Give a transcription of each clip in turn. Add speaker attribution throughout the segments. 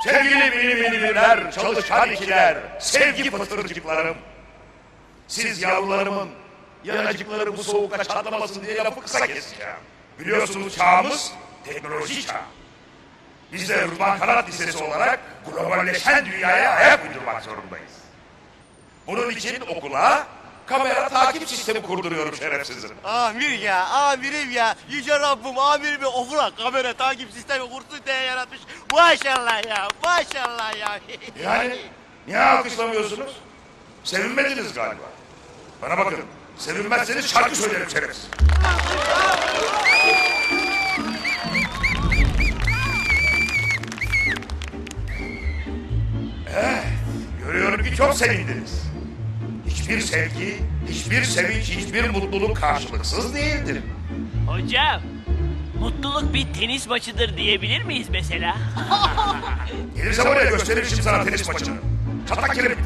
Speaker 1: Sevgili bilimler, çalışkan ikiler, sevgi pıtırcıklarım. Siz yavrularımın yanacıkları bu soğukta çatlamasın diye lafı kısa keseceğim. Biliyorsunuz çağımız teknoloji çağı. Biz de Rıdvan Kanat Lisesi olarak globalleşen dünyaya ayak uydurmak zorundayız. Bunun için okula kamera takip sistemi kurduruyorum şerefsizim.
Speaker 2: Amirim ya. Yüce Rabbim amirimi okula kamera takip sistemi kursun diye yaratmış. Maşallah ya, maşallah ya.
Speaker 1: Yani niye alkışlamıyorsunuz? Sevinmediniz galiba. Bana bakın, sevinmezseniz şarkı söylerim şerefsiz. Evet, görüyorum ki çok sevindiniz. Hiçbir sevgi, hiçbir sevinç, hiçbir mutluluk karşılıksız değildir.
Speaker 3: Hocam, mutluluk bir tenis maçıdır diyebilir miyiz mesela?
Speaker 1: Gelirse oraya gösteririm şimdi sana tenis maçını. Çatlak kiremit.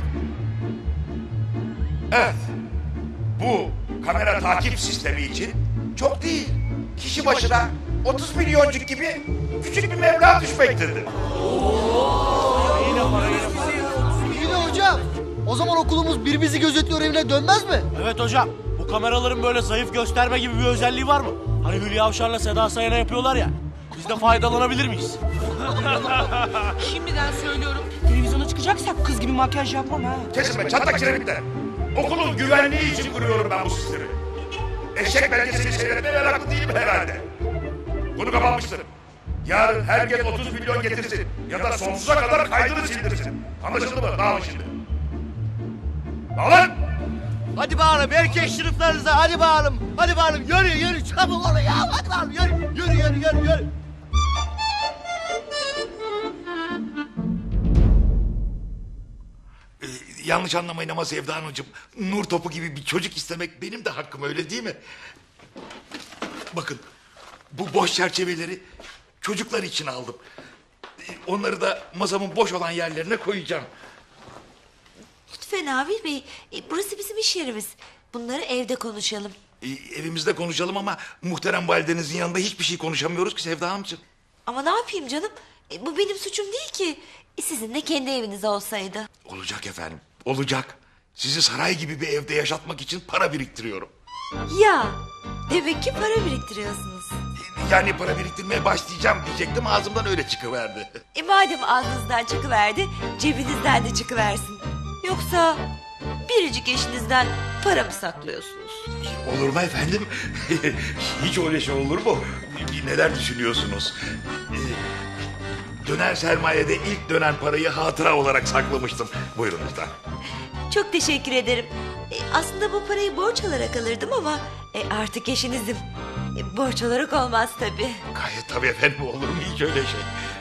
Speaker 1: Evet, bu kamera takip sistemi için çok değil, kişi başına 30 milyoncuk gibi küçük bir meblağ düşmektedir.
Speaker 4: Yine hocam. O zaman okulumuz birbirimizi gözetliyor evine dönmez mi?
Speaker 2: Evet hocam, bu kameraların böyle zayıf gösterme gibi bir özelliği var mı? Hani Hülya Avşar'la Seda Sayan'a yapıyorlar ya. Biz de faydalanabilir miyiz?
Speaker 5: Şimdiden söylüyorum. Televizyona çıkacaksak kız gibi makyaj yapmam ha.
Speaker 1: Kesin be çatlak kiremitler. Okulun güvenliği için kuruyorum ben bu sistemi. Eşek belgesini seyretmeye meraklı değilim herhalde. Bunu kapanmıştır. Yarın herkes 30 milyon getirsin ya da sonsuza kadar kaydını sildirsin. Anlaşıldı mı? Dağılın şimdi. Dağılın!
Speaker 2: Hadi bağırın erkek sınıflarınıza hadi bağırın. Hadi bağırın yürü çabuk olun ya. Hadi bağırın yürü.
Speaker 1: Yanlış anlamayın ama Sevda Hanımcığım, nur topu gibi bir çocuk istemek benim de hakkım, öyle değil mi? Bakın, bu boş çerçeveleri çocuklar için aldım. Onları da masamın boş olan yerlerine koyacağım.
Speaker 6: Lütfen Avni Bey, burası bizim iş yerimiz. Bunları evde konuşalım.
Speaker 1: Evimizde konuşalım ama muhterem validenizin yanında hiçbir şey konuşamıyoruz ki Sevda Hanımcığım.
Speaker 6: Ama ne yapayım canım? Bu benim suçum değil ki. Sizin de kendi eviniz olsaydı.
Speaker 1: Olacak efendim, olacak. Sizi saray gibi bir evde yaşatmak için para biriktiriyorum.
Speaker 6: Ya, demek ki para biriktiriyorsunuz.
Speaker 1: Yani para biriktirmeye başlayacağım diyecektim, ağzımdan öyle çıkıverdi.
Speaker 6: Madem ağzınızdan çıkıverdi, cebinizden de çıkıversin. Yoksa biricik eşinizden para mı saklıyorsunuz?
Speaker 1: Olur mu efendim? Hiç öyle şey olur mu? Neler düşünüyorsunuz? Dönen sermayede ilk dönen parayı hatıra olarak saklamıştım. Buyurunuz da.
Speaker 6: Çok teşekkür ederim. Aslında bu parayı borç alarak alırdım ama artık eşinizim. Borç olarak olmaz tabii.
Speaker 1: Gayet tabii efendim, olur mu hiç öyle şey?